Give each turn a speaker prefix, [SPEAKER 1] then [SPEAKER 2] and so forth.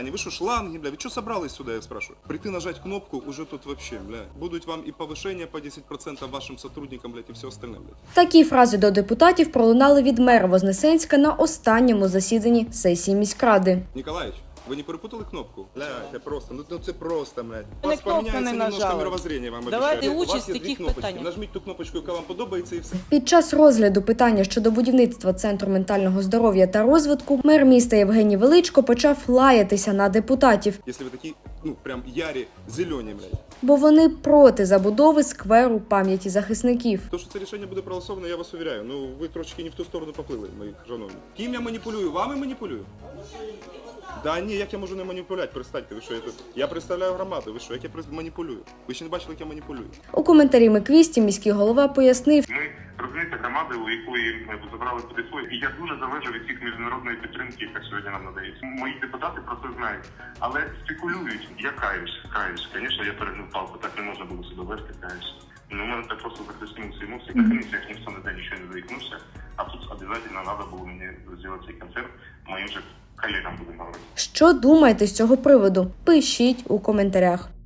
[SPEAKER 1] Вы что, шланги, бля? Вы что собрались сюда, я спрашиваю? Прийти нажать кнопку, уже тут вообще, бля. Будут вам и повышение по 10% вашим сотрудникам, блядь, и все остальное, блядь.
[SPEAKER 2] Такі фрази до депутатів пролунали від мера Вознесенська на останньому засіданні сесії міськради.
[SPEAKER 1] Николаевич, вы не перепутали кнопку? Бля, это просто, ну це просто, блядь. У
[SPEAKER 3] Ми
[SPEAKER 1] вас
[SPEAKER 3] кнопку
[SPEAKER 1] поменяется
[SPEAKER 3] не
[SPEAKER 1] немножко
[SPEAKER 3] нажали.
[SPEAKER 1] мировоззрение, вам
[SPEAKER 3] Давайте
[SPEAKER 1] обещаю. У
[SPEAKER 3] участь
[SPEAKER 1] вас
[SPEAKER 3] в
[SPEAKER 1] є дві
[SPEAKER 3] таких
[SPEAKER 1] кнопочки.
[SPEAKER 3] питаннях.
[SPEAKER 1] Нажміть ту кнопочку, яка вам подобається, і все.
[SPEAKER 2] Під час розгляду питання щодо будівництва Центру ментального здоров'я та розвитку мер міста Євгеній Величко почав лаятися на депутатів,
[SPEAKER 1] Якщо ви такі, ну, прям ярі, зелені, блядь.
[SPEAKER 2] бо вони проти забудови скверу пам'яті захисників.
[SPEAKER 1] То, що це рішення буде проголосовано, я вас увіряю. Ну, ви трошки не в ту сторону поплили, мої шановні. Ким я маніпулюю? Вами маніпулюю? Да ні, як я можу не маніпулювати? Перестаньте, ви що, я представляю громаду, ви що, як я маніпулюю? Ви ще не бачили, як я маніпулюю?
[SPEAKER 2] У коментарі Миквісті міський голова пояснив,
[SPEAKER 4] Ми розумієте громади, у якої ми забрали туди свої. І я дуже залежу від всіх міжнародної підтримки, яка сьогодні нам надається. Мої депутати про це знають, але спекулюють. Я каюсь. Звісно, я перегнув палку, так не можна було себе вести, каюсь. Ну, у мене так просто захлестнулися емоції. На комісіях ніхто ніде нічого не заікнувся, а тут обов'язково треба було мені зробити цей концерт моїм же колегам, будемо говорити.
[SPEAKER 2] що думаєте з цього приводу? Пишіть у коментарях.